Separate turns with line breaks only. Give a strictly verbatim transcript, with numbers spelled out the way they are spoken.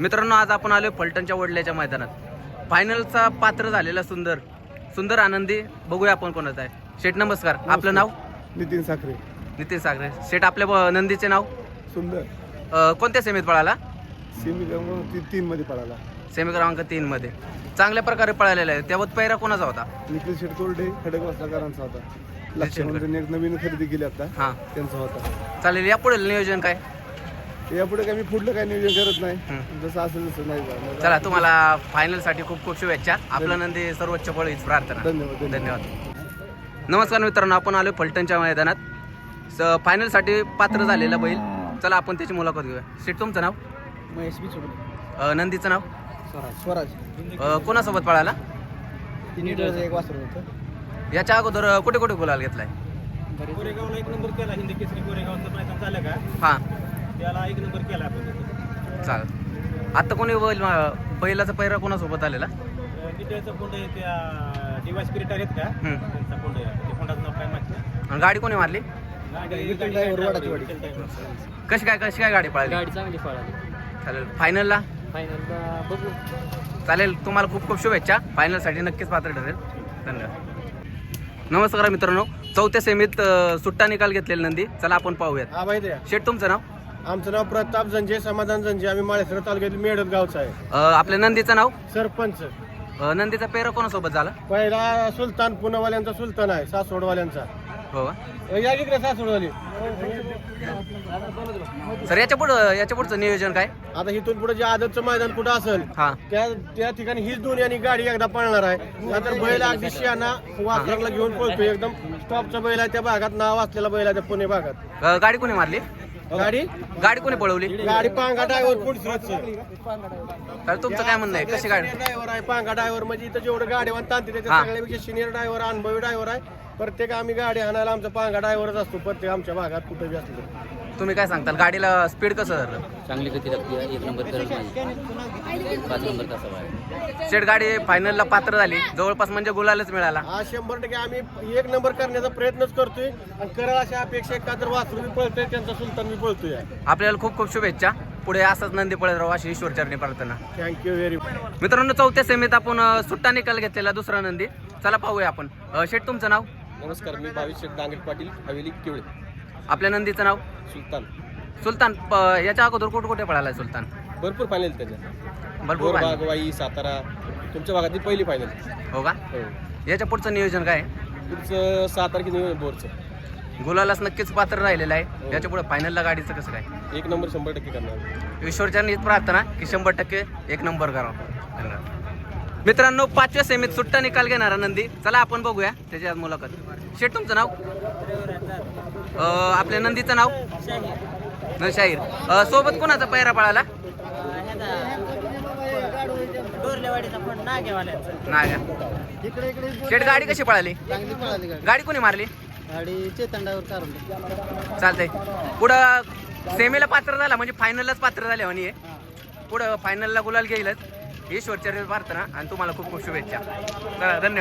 मित्रांनो, आज आपण आलोय फलटणच्या वडल्याच्या मैदानात फायनलचा पात्र झालेला सुंदर सुंदर आनंदी बघूया आपण कोणाचा आहे. शेठ नमस्कार, आपलं नाव?
नितीन साखरे.
नितीन साखरे. शेठ, आपल्या ब- नंदीचे नाव?
सुंदर.
अ, कोणत्या सेमीत पळाला?
सेमी क्रमांक तीन मध्ये पळाला.
सेमी क्रमांक तीन मध्ये चांगल्या प्रकारे पळालेला आहे. त्यावर पैरा कोणाचा होता?
निखिल शेट कोल्डे खडकवासलाकरांचा होता. लक्षामध्ये एक नवीन खरेदी केली आता,
हां,
त्यांचा होता.
चालेल. या पुढे नियोजन काय?
यापुढे काय मी पुढलं काय नियोजन करत नाही,
हं.
जसं असेल तसं नाही जाणार.
चला, तुम्हाला फायनल साठी खूप खूप शुभेच्छा. आपलं नंदी सर्वोच्च फळ हीच प्रार्थना.
धन्यवाद.
धन्यवाद. नमस्कार मित्रांनो, आपण आलो फलटणच्या मैदानात. स फायनल साठी पात्र झालेला बैल. चला, आपण त्याची मुलाखत घेऊया. शेठ, तुमचं नाव?
महेश बी
अ, नंदीचं नाव?
स्वराज. स्वराज
अ, कोणासोबत पळाला?
तीन एक वासर होतं.
याच्या अगोदर कुठे कुठे गुलाल घेतलाय?
कोरेगावला एक नंबर केला. हिंदी केसरी कोरेगावचं मैदान झालं का,
हां,
त्याला एक नंबर केला आपण.
चालेल. आत्ता कोणी बैल बैलाचा पैरा कोणासोबत आलेला?
डिटेलचा फोंड आहे त्या डिवाय स्पिरिट आहेत का,
हं.
त्यांचा फोंड आहे. ते फोंडाचं नाव काय माहिती नाही.
आणि गाडी कोणी मारली?
गाडी-
विठ्ठल
गाडी-
ड्रायव्हर,
गाडी-
वडाची वाडी.
विठ्ठल ड्रायव्हर.
कशी काय कशी काय गाडी पळाली?
गाडी चांगली पळाली.
चालेल. फायनलला?
फायनलला बघू.
चालेल. तुम्हाला खूप खूप शुभेच्छा. फायनलसाठी नक्कीच पात्र ठरेल. धन्यवाद. नमस्कार मित्रांनो, चौथ्या सेमीत अ, सुट्टा निकाल घेतलेला नंदी. चला, आपण पाहूयात.
हा माहिती आहे.
शेठ, तुमचं नाव?
आमचं नाव प्रताप जंजे, समाधान जंजे. आम्ही माळेसर तालुक्यातील मेडत गावचा आहे.
अ, आपल्या नंदीचं नाव?
सरपंच.
अ, नंदीचा पेरा कोणासोबत झाला?
पहिला सुलतान, पुणेवाल्यांचा सुलतान आहे, सासवडवाल्यांचा.
हो का?
या इकडे सासवडवाली.
सर, याच्या पुढं याच्या पुढचं नियोजन काय?
आता इथून पुढे जे आदतचं मैदान कुठं असेल
हां,
त्या त्या ठिकाणी हीच दोन्ही आणि गाडी एकदा पळणार आहे. नंतर बैल अगदी शियाना वासराला घेऊन पळतोय. एकदम टॉपचा बैल आहे. त्या भागात नाव असलेला बैल आहे, त्या पुणे भागात.
अ, गाडी कोणी मारली?
गाडी
गाडी कोणी पळवली?
गाडी पांगा ड्रायव्हर पुढचं
तर तुमचं काय म्हणणं आहे? कशी गाडी?
ड्रायव्हर आहे. पांगा ड्रायव्हर म्हणजे इथं जेवढं गाडीवान तांत्रिक त्याच्या
हा.
सगळ्यापेक्षा सिनियर ड्रायव्हर, अनुभवी ड्रायव्हर आहे. प्रत्येक आम्ही गाडी आणायला आमचा पांगा ड्रायव्हरच असतो प्रत्येक आमच्या भागात कुठे बी असतो.
तुम्ही काय सांगताल? गाडीला स्पीड कसं धरलं?
चांगली गती लागते. एक नंबर करत नाही. पाच नंबर कसा आहे.
शेठ, गाडी फायनलला पात्र झाली. जवळपास म्हणजे गुलालच मिळाला.
हा शंभर टक्के आम्ही एक नंबर करण्याचा प्रयत्नच करतोय आणि करा अशा अपेक्षा का तर वासरू बी पळतोय, त्यांचा सुलतान बी पळतोय.
आपल्याला खूप खूप शुभेच्छा. पुढे असंच नंदी पळत राहू अशी ईश्वर चरणी प्रार्थना.
Thank you very much.
मित्रांनो, चौथ्या सेमीत आपण अ, सुट्टा निकाल घेतलेला दुसरा नंदी. चला पाहूया आपण. अ, शेठ, तुमचं नाव?
नमस्कार, मी भाविश शेठ डांगे पाटील, हवेली केवळे.
आपल्या नंदीचं नाव?
सुलतान.
सुलतान. प- याच्या अगोदर कुठे कुठे पळाला सुलतान?
भरपूर फायनल त्याच्या.
भरपूर
बोरबाग,
पाहिलं.
वाई, सातारा, तुमच्या भागातली पहिली फायनल.
हो का?
हो.
याच्या पुढचं नियोजन काय?
पुढचं सहा तारखेला बोरचं
गुलालाच नक्कीच पात्र राहिलेलं आहे. याच्या पुढे फायनलला गाडीचं कसं काय?
एक नंबर शंभर टक्के करणार.
ईश्वरचरणी हीच प्रार्थना की शंभर टक्के एक नंबर करावं. धन्यवाद. मित्रांनो, पाचव्या सेमीत सुट्टा निकाल घेणारा नंदी. चला, आपण बघूया त्याची आज मुलाखत. शेठ, तुमचं नाव? अ, आपल्या नंदीचं नाव? न शाहीर. अ, सोबत कोणाचा पैरा पळाला? नागा. शेठ, गाडी कशी पळाली?
चांगली पळाली गाडी.
गाडी कोणी मारली?
गाडी चेतंडावर चालवली.
चालतंय. पुढं सेमीला पात्र झाला म्हणजे फायनललाच पात्र झाले म्हणे. पुढं फायनलला गुलाल घेईलच. ईश्वरचरणी प्रार्थना आणि तुम्हाला खूप खूप शुभेच्छा. चला, धन्यवाद.